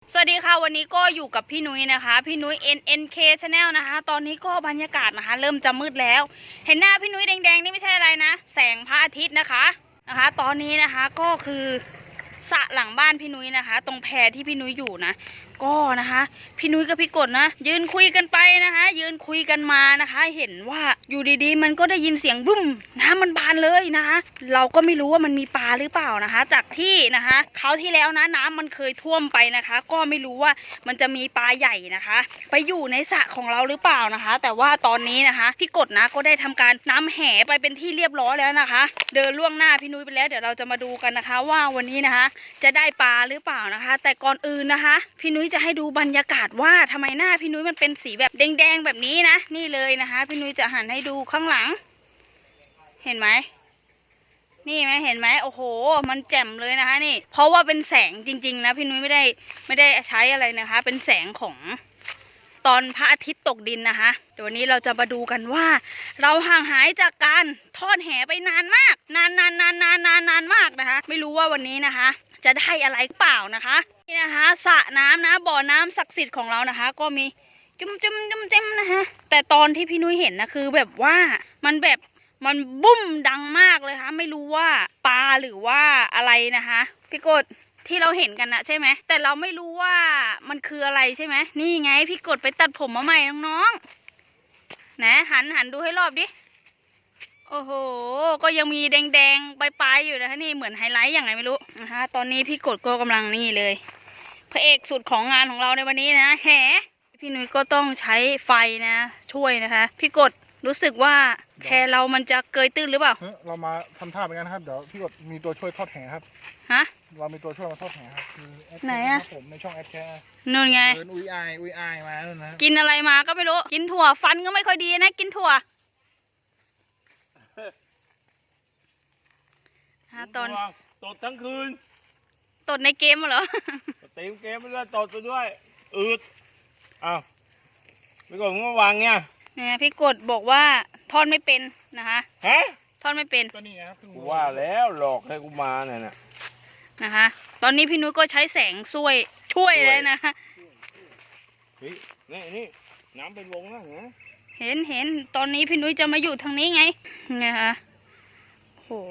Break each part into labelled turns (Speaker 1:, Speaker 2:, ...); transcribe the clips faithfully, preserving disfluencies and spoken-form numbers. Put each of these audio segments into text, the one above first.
Speaker 1: สวัสดีค่ะวันนี้ก็อยู่กับพี่นุ้ยนะคะพี่นุ้ย เอ็น เอ็น เค Channel นะคะตอนนี้ก็บรรยากาศนะคะเริ่มจะมืดแล้วเห็นหน้าพี่นุ้ยแดงๆนี่ไม่ใช่อะไรนะแสงพระอาทิตย์นะคะนะคะตอนนี้นะคะก็คือสระหลังบ้านพี่นุ้ยนะคะตรงแพที่พี่นุ้ยอยู่นะก็นะคะพี่นุ้ยกับพี่กดนะยืนคุยกันไปนะคะยืนคุยกันมานะคะเห็นว่าอยู่ดีๆมันก็ได้ยินเสียงบุ้มน้ำมันบานเลยนะคะเราก็ไม่รู้ว่ามันมีปลาหรือเปล่านะคะจากที่นะคะคราวที่แล้วนะน้ำมันเคยท่วมไปนะคะก็ไม่รู้ว่ามันจะมีปลาใหญ่นะคะไปอยู่ในสระของเราหรือเปล่านะคะแต่ว่าตอนนี้นะคะพี่กดนะก็ได้ทำการน้ำแห่ไปเป็นที่เรียบร้อยแล้วนะคะเดินล่วงหน้าพี่นุ้ยไปแล้วเดี๋ยวเราจะมาดูกันนะคะว่าวันนี้นะคะจะได้ปลาหรือเปล่านะคะแต่ก่อนอื่นนะคะพี่นุ้ยจะให้ดูบรรยากาศว่าทำไมหน้าพี่นุ้ยมันเป็นสีแบบแดงๆแบบนี้นะนี่เลยนะคะพี่นุ้ยจะหันให้ดูข้างหลังเห็นไหมนี่ไหมเห็นไหมโอ้โหมันแจ่มเลยนะคะนี่เพราะว่าเป็นแสงจริงๆนะพี่นุ้ยไม่ได้ไม่ได้ใช้อะไรนะคะเป็นแสงของตอนพระอาทิตย์ตกดินนะคะเดี๋ยววันนี้เราจะมาดูกันว่าเราห่างหายจากการทอดแหไปนานมากนานนานนานนานนานนานมากนะคะไม่รู้ว่าวันนี้นะคะจะได้อะไรเปล่านะคะนี่นะคะสระน้ำนะบ่อน้ำศักดิ์สิทธิ์ของเรานะคะก็มีจุ่มจุ่มจุ่มจุ่มนะคะแต่ตอนที่พี่นุ้ยเห็นนะคือแบบว่ามันแบบมันบุ้มดังมากเลยค่ะไม่รู้ว่าปลาหรือว่าอะไรนะคะพี่กดที่เราเห็นกันนะใช่ไหมแต่เราไม่รู้ว่ามันคืออะไรใช่ไหมนี่ไงพี่กดไปตัดผมมาใหม่น้องๆนะหันหันดูให้รอบดิโอ้โหก็ยังมีแดงๆปลายๆอยู่นะคะนี่เหมือนไฮไลท์อย่างไรไม่รู้นะคะตอนนี้พี่กดก็กำลังนี่เลยพระเอกสุดของงานของเราในวันนี้นะแหพี่นุ้ยก็ต้องใช้ไฟนะช่วยนะคะพี่กดรู้สึกว่าแพเรามันจะเกยตื้นหรือเปล่า
Speaker 2: เรามาทำท่าเหมือนกันนะครับเดี๋ยวพี่กดมีตัวช่วยทอดแหครับ
Speaker 1: ฮะ
Speaker 2: เรามีตัวช่วยมาทอดแหครับ
Speaker 1: ไหนอะ
Speaker 2: ผมในช่องแอดแคร์
Speaker 1: นู่นไง
Speaker 2: เดินอุ้ยอายอุ้ยอายมาแล้วนะ
Speaker 1: กินอะไรมาก็ไม่รู้กินถั่วฟันก็ไม่ค่อยดีนะกินถั่วฮะตอน
Speaker 3: ตดทั้งคืน
Speaker 1: ตดในเกมเหรอ
Speaker 3: เต็มเกมไปเลยตดไปด้วยอืดอ้าวพี่กดมึงมาวางเนี่ย
Speaker 1: เนี่ยพี่กดบอกว่าทอดไม่เป็นนะคะ
Speaker 3: ฮะ
Speaker 1: ทอดไม่เป็น
Speaker 2: ก็นี่ครับ
Speaker 3: กูว่าแล้วหลอกให้กูมาเนี่ยนะ
Speaker 1: นะคะตอนนี้พี่นุ้ยก็ใช้แสงช่วยช่วยเลยนะคะ
Speaker 3: เฮ้ยนี่นี่น้ำเป็นวงนะ
Speaker 1: เห็นเห็นตอนนี้พี่นุ้ยจะมาอยู่ทางนี้ไงไงคะโห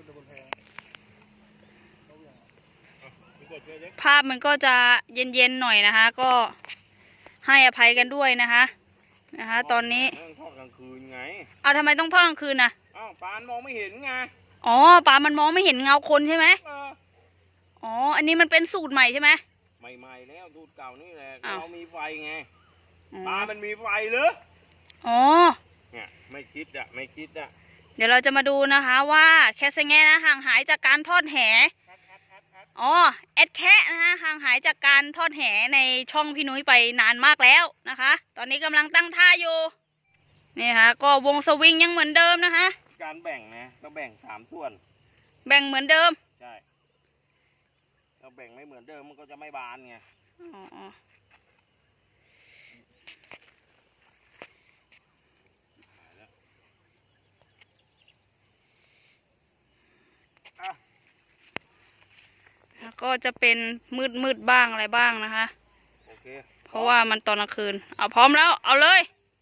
Speaker 1: ภาพมันก็จะเย็นๆหน่อยนะคะก็ให้อภัยกันด้วยนะคะนะคะตอนนี้
Speaker 3: ทอดกลางคืนไง
Speaker 1: เอาทำไมต้องทอดกลางคืนนะ
Speaker 3: อ้าวปลามองไม่เห็นไง
Speaker 1: อ๋อปลามันมองไม่เห็นเงาคนใช่ไหมอ๋ออันนี้มันเป็นสูตรใหม่ใช่ไหม
Speaker 3: ใหม่ๆแล้วสูตรเก่านี่แหละเรามีไฟไงปลามันมีไฟหรือ
Speaker 1: อ๋อ
Speaker 3: เนี่ยไม่คิดอะไม่คิดอะ
Speaker 1: เดี๋ยวเราจะมาดูนะคะว่าแคสเงนะห่างหายจากการทอดแหอ๋อแอดแคะนะคะห่างหายจากการทอดแหในช่องพี่นุ้ยไปนานมากแล้วนะคะตอนนี้กำลังตั้งท่าอยู่นี่ค่ะก็วงสวิงยังเหมือนเดิมนะคะ
Speaker 3: การแบ่งนะก็แบ่งสามส่วน
Speaker 1: แบ่งเหมือนเดิม
Speaker 3: ใช่เราแบ่งไม่เหมือนเดิมมันก็จะไม่บานไงอ๋อ
Speaker 1: ก็จะเป็นมืดมืดบ้างอะไรบ้างนะคะ
Speaker 3: โอเค
Speaker 1: เพราะว่ามันตอนกลางคืนเอาพร้อมแล้วเอาเลย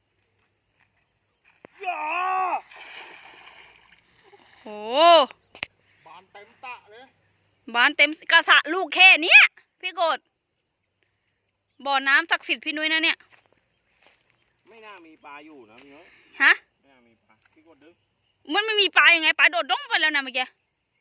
Speaker 1: โอ้
Speaker 2: บานเต็มตะเลย
Speaker 1: บานเต็มกระสะลูกแค่นี้พี่กดบ่อน้ำศักดิ์สิทธิ์พี่นุ้ยนะเนี่ย
Speaker 3: ไม่น่ามีปลาอยู่นะพี่นุ้ย
Speaker 1: ฮะ
Speaker 3: ไม่น่ามีปลาพี่กดดึง
Speaker 1: มันไม่มีปลายังไงปลาโดดดงไปแล้วนะเมื่อกี้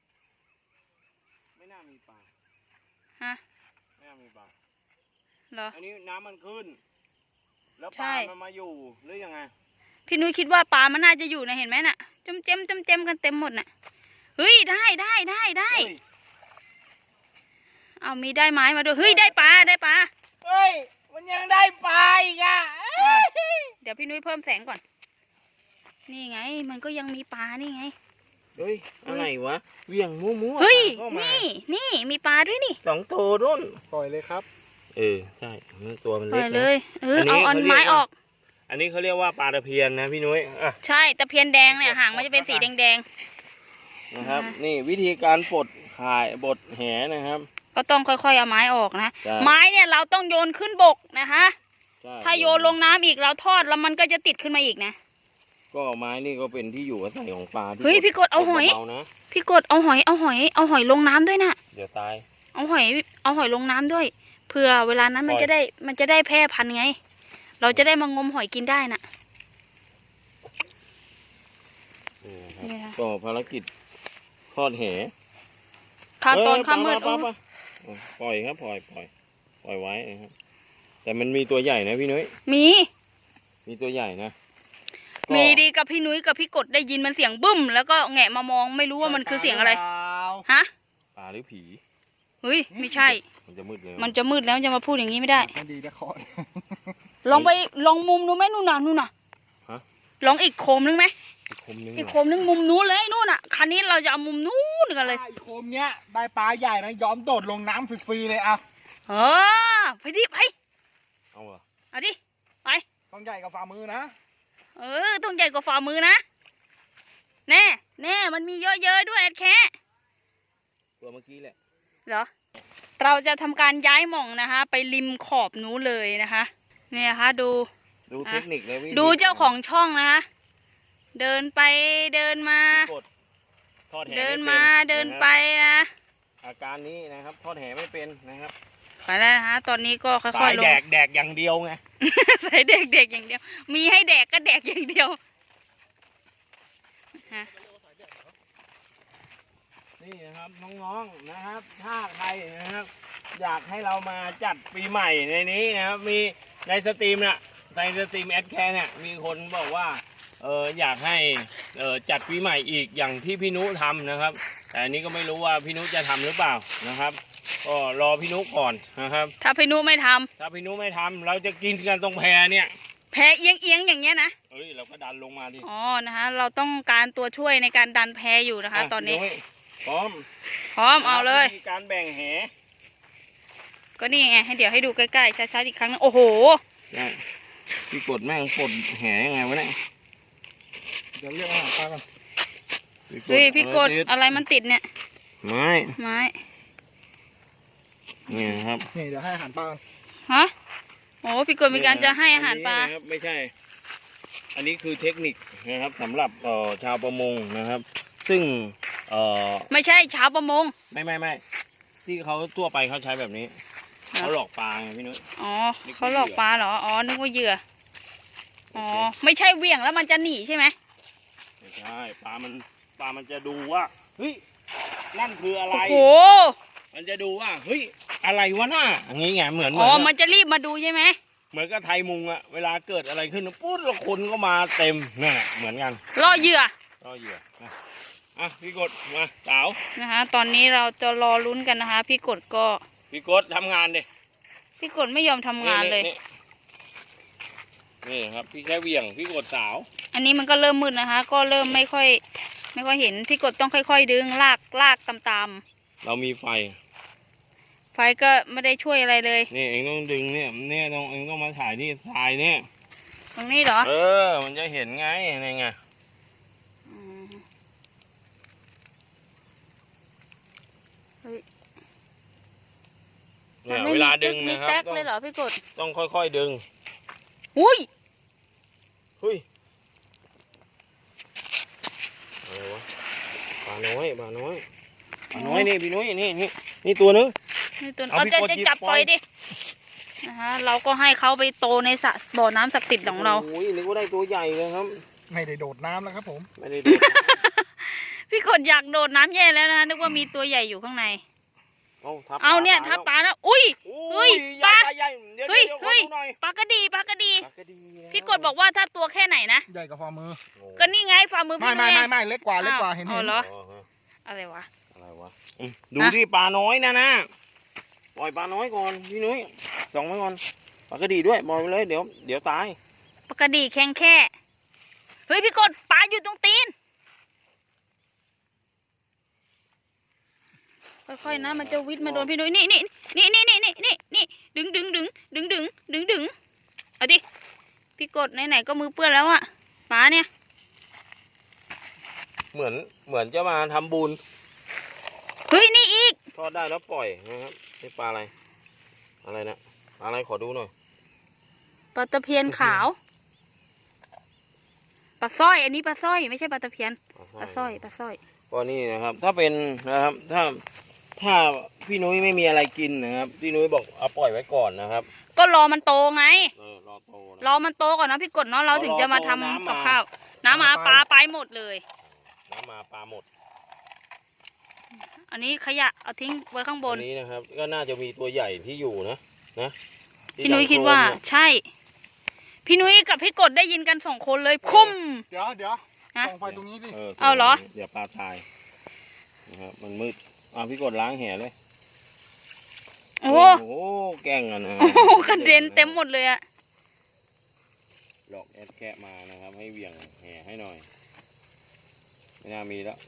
Speaker 3: ไม่น่ามีปลา
Speaker 1: ฮะ
Speaker 3: ไม่น่ามีปลา
Speaker 1: เหรอ
Speaker 3: อันนี้น้ำมันขึ้นแล้วปลามันมาอยู่หรือยังไง
Speaker 1: พี่นุ้ยคิดว่าปลามันน่าจะอยู่นะเห็นไหมน่ะจมเจมจมเจมกันเต็มหมดน่ะเฮ้ยได้ได้ได้ได้เอามีได้ไม้มาด้วยเฮ้ยได้ปลาได้ปลา
Speaker 3: เฮ้ยมันยังได้ปลาอีกอ่ะ
Speaker 1: เดี๋ยวพี่นุ้ยเพิ่มแสงก่อนนี่ไงมันก็ยังมีปลานี่ไง
Speaker 3: เฮ้ยอะไรวะเวี่ยงมั่วมั่ว
Speaker 1: เฮ้ยนี่นี่มีปลาด้วยนี่
Speaker 3: สองตัวรุ่น
Speaker 2: ปล่อยเลยครับ
Speaker 3: เออใช่ตัวมันเล็ก
Speaker 1: เลยเออเอาอันไม้ออก
Speaker 3: อันนี้เขาเรียกว่าปลาตะเพียนนะพี่นุ้ยอ่ะ
Speaker 1: ใช่ตะเพียนแดงเนี่ยหางมันจะเป็นสีแดง
Speaker 3: ๆนะครับนี่วิธีการปลดข่ายบดแหนะครับ
Speaker 1: ก็ต้องค่อยๆเอาไม้ออกนะ
Speaker 3: ใช่
Speaker 1: ไม้เนี่ยเราต้องโยนขึ้นบกนะคะ
Speaker 3: ใช่
Speaker 1: ถ้าโยนลงน้ำอีกเราทอดแล้วมันก็จะติดขึ้นมาอีกนะ
Speaker 3: ก็ไม้นี่ก็เป็นที่อยู่อาศัยของปลาที่
Speaker 1: เฮ้ยพี่กดเอาหอย
Speaker 3: เบาๆนะ
Speaker 1: พี่กดเอาหอยเอาหอยเอาหอยลงน้ำด้วยนะ
Speaker 3: เดี๋ยวตาย
Speaker 1: เอาหอยเอาหอยลงน้ำด้วยเผื่อเวลานั้นมัน
Speaker 3: ปล่อย
Speaker 1: จะได้มันจะได้แพร่พันธุ์ไง เราจะได้มางมหอยกินได้น่ะ
Speaker 3: นี่นะครับ
Speaker 1: นี่นะ
Speaker 3: ก็ภารกิจทอดแห
Speaker 1: ข้าวตอน
Speaker 3: เอ้ย
Speaker 1: ข้าวมืด
Speaker 3: ปลาปลาปลาปลาปล่อยครับปล่อยปล่อยปล่อยไว้นะครับแต่มันมีตัวใหญ่นะพี่นุ้ย
Speaker 1: มี
Speaker 3: มีตัวใหญ่นะก็
Speaker 1: มีดีกับพี่นุ้ยกับพี่กดได้ยินมันเสียงบึ้ม แล้วก็แงะมามองไม่รู้ว่ามันคือเสียงอะไรฮะ
Speaker 3: ปลาหรือผี
Speaker 1: เฮ้ยไม่ใช่
Speaker 3: มันจะมืดเลย
Speaker 1: มันจะมืดแล้วจะมาพูดอย่างนี้ไม่ได้
Speaker 2: ไม่ดีนะเคาะ
Speaker 1: ลองไปลองมุมดูไหมนู่นน่ะนู่นน่ะ
Speaker 3: ฮะ
Speaker 1: ลองอีกโคมนึงไหม
Speaker 3: อีกคมนึง
Speaker 1: อีก
Speaker 3: เห
Speaker 1: โค
Speaker 3: รอ
Speaker 1: มนึงมุมนู้นเลยนู่นน่ะคันนี้เราจะเอามุมนู้นกันเลย
Speaker 2: ไอ้โคมเนี้ยได้ปลาใหญ่นะยอมโดดลงน้ำฟรีๆเลยอ่ะ
Speaker 1: เออไปดิไป
Speaker 3: เอาเหรอ
Speaker 1: เอาดิไป
Speaker 2: ต้องใหญ่กับฝ่ามือนะ
Speaker 1: เออต้องใหญ่กว่าฝ่ามือนะแน่แน่มันมีเยอะๆด้วยแอดแค่
Speaker 3: ตัวเมื่อกี้แหละ
Speaker 1: เหรอเราจะทำการย้ายหม่องนะคะ ไปริมขอบนู้นเลยนะคะเนี่ยนะคะดู
Speaker 3: ดูเทคนิคเลยวิธี
Speaker 1: ดูเจ้าของช่องนะคะ เดินไปเดินมา
Speaker 3: กดทอดแห
Speaker 1: เดิน
Speaker 3: ไป็
Speaker 1: มาเดินไป
Speaker 3: นะครับ
Speaker 1: นะ
Speaker 3: อาการนี้นะครับทอดแหไม่เป็นนะครับ
Speaker 1: ไปแล้วนะคะ ตอนนี้ก็ค่
Speaker 3: สา
Speaker 1: อย
Speaker 3: ย
Speaker 1: ๆล
Speaker 3: แด
Speaker 1: ง
Speaker 3: กแดกอย่างเดียวไง
Speaker 1: ใส่เด็กๆอย่างเดียว มีให้แดกก็แดกอย่างเดียวฮะ
Speaker 3: นี่นะครับน้องๆนะครับ ถ้าใครนะครับ อยากให้เรามาจัดปีใหม่ในนี้นะครับ มีในสตรีมเนี่ยในสตรีมแอดแคร์เนี่ยมีคนบอกว่าเอออยากให้เออจัดปีใหม่อีกอย่างที่พี่นุทำนะครับ แต่อันนี้ก็ไม่รู้ว่าพี่นุจะทำหรือเปล่านะครับ ก็รอพี่นุก่อนนะครับ
Speaker 1: ถ้าพี่นุไม่ทำ
Speaker 3: ถ้าพี่นุไม่ทำเราจะกินกันตรงแพเนี่ย
Speaker 1: แพ้เอียงๆอย่างเงี้ยนะ
Speaker 3: เอ้ยเราก็ดันลงมาดิ
Speaker 1: อ๋อนะคะ เราต้องการตัวช่วยในการดันแพอยู่นะคะ ตอนนี้
Speaker 3: พี่ยพร้อม
Speaker 1: พร้อมเอาเลย
Speaker 3: วิธีการแบ่งแห
Speaker 1: ก็นี่ไงให้เดี๋ยวให้ดูใกล้ๆชัดๆอีกครั้งนึงโอ้โห
Speaker 3: เนี่ยพี่กดแม่งปลดแหยังไงวะเนี่ย
Speaker 2: เดี๋ยวเรียกอาหารปลากัน
Speaker 1: เฮ้ยพี่กด
Speaker 3: ติ
Speaker 1: อะไรมันติดเนี่ย
Speaker 3: ไม้
Speaker 1: ไม้
Speaker 3: เนี่ยครับ
Speaker 2: นี่เดี๋ยวให้อาหารปลากัน
Speaker 1: ฮะโอ้พี่กดมีการจะให้อาหารปลา
Speaker 3: อันนี้นะครับไม่ใช่ อันนี้คือเทคนิคนะครับสำหรับเอ่อชาวประมงนะครับ ซึ่งเอ่อ
Speaker 1: ไม่ใช่ชาวประมง
Speaker 3: ไม่ไม่ไม่ที่เขาทั่วไปเขาใช้แบบนี้
Speaker 1: เหรอ
Speaker 3: เขาหลอกปลาไงพี่นุ้ย
Speaker 1: อ๋อเขาหลอกปลาเหรออ๋อนึกว่าเหยื่ออ๋อไม่ใช่เหวี่ยงแล้วมันจะหนีใช่ไหม
Speaker 3: ไม่ใช่ปลามันปลามันจะดูว่าเฮ้ยนั่นคืออะไร
Speaker 1: โอ้โห
Speaker 3: มันจะดูว่าเฮ้ยอะไรวะน่าอย่างงี้ไงเหมือนเหมื
Speaker 1: อ๋
Speaker 3: อ
Speaker 1: อน มันจะรีบมาดูใช่ไหม
Speaker 3: เหมือนกับไทยมุงอะเวลาเกิดอะไรขึ้นปุ๊บแล้วคนก็มาเต็มนั่นแหละเหมือนกัน
Speaker 1: ล่อเหยื่อ
Speaker 3: ก็เหยื่อนะอ่ะพี่กดมาสาว
Speaker 1: นะคะ ตอนนี้เราจะรอลุ้นกันนะคะ พี่กดก็
Speaker 3: พี่กดทำงานดิ
Speaker 1: พี่กดไม่ยอมทำงานเลย
Speaker 3: นี่นี่ครับพี่แค่เหวี่ยงพี่กดสาว
Speaker 1: อันนี้มันก็เริ่มมืดนะคะ ก็เริ่มไม่ค่อย ไม่ค่อยเห็นพี่กดต้องค่อย ๆ ดึงลากลากตาม
Speaker 3: เรามีไฟ
Speaker 1: ๆไฟก็ไม่ได้ช่วยอะไรเลย
Speaker 3: นี่เองต้องดึงเนี่ยเนี่ยต้องเองต้องมาถ่ายที่ทรายเนี่ย
Speaker 1: ตรงนี้เหรอ
Speaker 3: เออมันจะเห็นไงนี่ไง
Speaker 1: มเฮ้ย
Speaker 3: เนี่ย
Speaker 1: ไม่
Speaker 3: เว
Speaker 1: มี
Speaker 3: ลาดึ
Speaker 1: ตึ
Speaker 3: ง
Speaker 1: กมี
Speaker 3: นะครับ
Speaker 1: แต๊ก
Speaker 3: ต้อง
Speaker 1: เลยเหรอพี่กด
Speaker 3: ต้องค่อยๆดึง
Speaker 1: อุ้ย
Speaker 3: เฮ้ยอะไรวะปลาน้อยปลาน้อยปลาน้อยนี่พี่นุ้ยนี่นี่นี่ตัวนึง
Speaker 1: นี่ตัว
Speaker 3: เอา
Speaker 1: เอา
Speaker 3: พี่
Speaker 1: จะ
Speaker 3: กด
Speaker 1: จะ
Speaker 3: หยิบ
Speaker 1: จับ
Speaker 3: ปล่
Speaker 1: ปล่
Speaker 3: อ
Speaker 1: อย ยดินะคะเราก็ให้เขาไปโตในสระบ่อน้ำศักดิ์สิทธิ์ของเรา
Speaker 3: โอ้ยนึกว่าได้ตัวใหญ่เลยครับ
Speaker 2: ไม่ได้โดดน้ำแล้วครับผม
Speaker 3: ไม่ได้ดู
Speaker 1: พี่กดอยากโดดน้ำแย่แล้วนะนึกว่ามีตัวใหญ่อยู่ข้างใน
Speaker 3: เอาทับ
Speaker 1: เอาเนี่ย
Speaker 3: ปล
Speaker 1: ถ้าป
Speaker 3: แล้ว
Speaker 1: ลาแล้วอุ้ย เฮ้ย
Speaker 3: ใหญ่
Speaker 1: ปลา
Speaker 3: ใหญ่เดี๋ยว
Speaker 1: เฮ้ย
Speaker 3: เดี๋ยวขอ
Speaker 1: เฮ้ย
Speaker 3: ดูหน่อย
Speaker 1: ปลากระดีปลากระดี
Speaker 3: ปลากระดีแล้ว
Speaker 1: พี่กดบอกว่าถ้าตัวแค่ไหนนะ
Speaker 2: ใหญ่กับฝ่ามือ
Speaker 3: โอ้
Speaker 1: ก็นี่ไงฝ่ามือ
Speaker 2: ไม่
Speaker 1: พี่
Speaker 2: ไม่
Speaker 1: ไง
Speaker 2: ไม่ไม่เล็กกว่าเล็กกว่า
Speaker 1: อ้าว
Speaker 2: เห็น
Speaker 1: อ๋
Speaker 2: เห็
Speaker 1: อน เหรอ
Speaker 3: อ๋อฮะ
Speaker 1: อะไรวะ
Speaker 3: อะไรวะอืมดูที่ปลาน้อยนะนะปล่อยปลาน้อยก่อนพี่นุ้ยส่องไว้ก่อนปลากระดีด้วยปล่อยไปเลยเดี๋ยวเดี๋ยวตาย
Speaker 1: ปลากระดีแข็งแค่เฮ้ยพี่กดปลาอยู่ตรงตีนค่อยๆนะมันจะวิดมาโดนพี่นุ้ยนี่นี่นี่นี่นี่นี่นี่นี่ดึงดึงดึงดึงดึงดึงดึงเอาดิพี่กดไหนๆก็มือเปื้อนแล้วอะปลาเนี่ย
Speaker 3: เหมือนเหมือนจะมาทำบุญ
Speaker 1: เฮ้ยนี่อีก
Speaker 3: ทอดได้แล้วปล่อยนะครับนี่ปลาอะไรอะไรนะปลาอะไรขอดูหน่อย
Speaker 1: ปลาตะเพียนขาวปลาสร้อยอันนี้ปลาสร้อยไม่ใช่ปลาตะเพียนปลาสร้อยปลาสร้อย
Speaker 3: ก็นี่นะครับถ้าเป็นนะครับถ้าถ้าพี่นุ้ยไม่มีอะไรกินนะครับพี่นุ้ยบอกเอาปล่อยไว้ก่อนนะครับ
Speaker 1: ก็รอมันโตไง
Speaker 3: เออรอโตนะ
Speaker 1: รอมันโตก่อนนะพี่กดเนาะเราถึงจะมาทำกับข้าวน้ำมาปลาไปหมดเลย
Speaker 3: น้ำมาปลาหมด
Speaker 1: อันนี้ขยะเอาทิ้งไว้ข้างบน
Speaker 3: อันนี้นะครับก็น่าจะมีตัวใหญ่ที่อยู่นะนะที่
Speaker 1: พี่นุ้ย
Speaker 3: ดัง
Speaker 1: คิดว่า
Speaker 3: โครมเนี่ย
Speaker 1: ใช่ พี่นุ้ยกับพี่กดได้ยินกันสองคนเลยคุ้ม
Speaker 2: เดี๋ยวเดี๋ยว
Speaker 1: ฮะ
Speaker 2: ส่องไฟตรงนี้สิ
Speaker 1: เอาเหรอ
Speaker 3: เดี๋ยวปลาตายนะครับมันมืดอ่ะพี่กดล้างแหเลย
Speaker 1: โอ้
Speaker 3: โอ้โหแกล้งกันนะ
Speaker 1: โอ้โหกระเด็นเต็มหมดเลยอะ
Speaker 3: หลอกแอดแคะมานะครับ ให้เหวี่ยงแหให้หน่อยไม่น่ามีแล้ว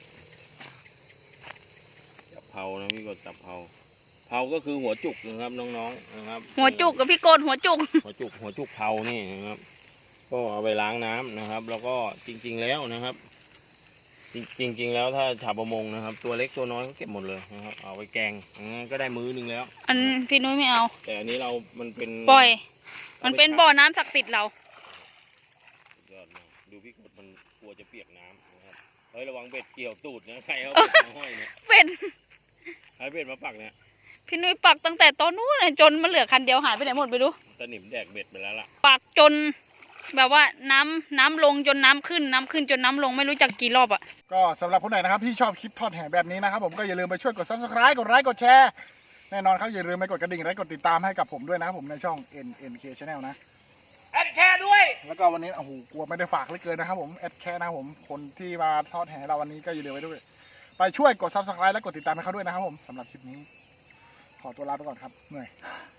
Speaker 3: จับเผานะพี่กดจับเผาเผาก็คือหัวจุกนะครับน้องๆนะครับ
Speaker 1: หัวจุกกับพี่กดหัวจุก
Speaker 3: หัวจุกหัวจุกเผานี่นะครับ ก็เอาไปล้างน้ำนะครับ แล้วก็จริงๆแล้วนะครับ จริงจริงๆแล้วถ้าชาวประมงนะครับ ตัวเล็กตัวน้อยก็เก็บหมดเลยนะครับ เอาไปแกงอ่าก็ได้มื้อนึงแล้ว
Speaker 1: อันพี่นุ้ยไม่เอา
Speaker 3: แต่อันนี้เรา มันเป็น
Speaker 1: ปล่อย มันเป็นบ่อน้ำศักดิ์สิทธิ์เรา
Speaker 3: สุดยอดมากดูพี่กดมันกลัวจะเปียกน้ำนะครับเฮ้ยระวังเบ็ดเกี่ยวตูดนะใครเอาเบ็ดมาห้อยเนี่ย
Speaker 1: เป็น
Speaker 3: ใครเบ็ดมาปักเนี่ย
Speaker 1: พี่นุ้ยปักตั้งแต่ตอนนู้นเลยจนมันเหลือคันเดียวหายไปไหนหมดไปดู
Speaker 3: ตะหนิมแดกเบ็ดไปแล้วล่ะ
Speaker 1: ปักจน แบบว่าน้ำน้ำลงจนน้ำขึ้นน้ำขึ้นจนน้ำลงไม่รู้จักกี่รอบอะ
Speaker 2: ก็สำหรับคนไหนนะครับที่ชอบคลิปทอดแห่แบบนี้นะครับผมก็อย่าลืมไปช่วยกด ซับสไครบ์ กดไลค์กดแชร์แน่นอนครับอย่าลืมไปกดกระดิ่งและกดติดตามให้กับผมด้วยนะครับผมในช่อง เอ็น เอ็น เค Channel นะ
Speaker 3: แอดแค่ด้วย
Speaker 2: แล้วก็วันนี้โอ้โหกลัวไม่ได้ฝากเหลยเกินนะครับผมแอดแค่นะครับผมคนที่มาทอดแห่เราวันนี้ก็อย่าลืมไปด้วย ไปช่วยกด ซับสไครบ์ และกดติดตามให้เขาด้วยนะครับผมสำหรับคลิปนี้ขอตัวลาไปก่อนครับเหนื่อย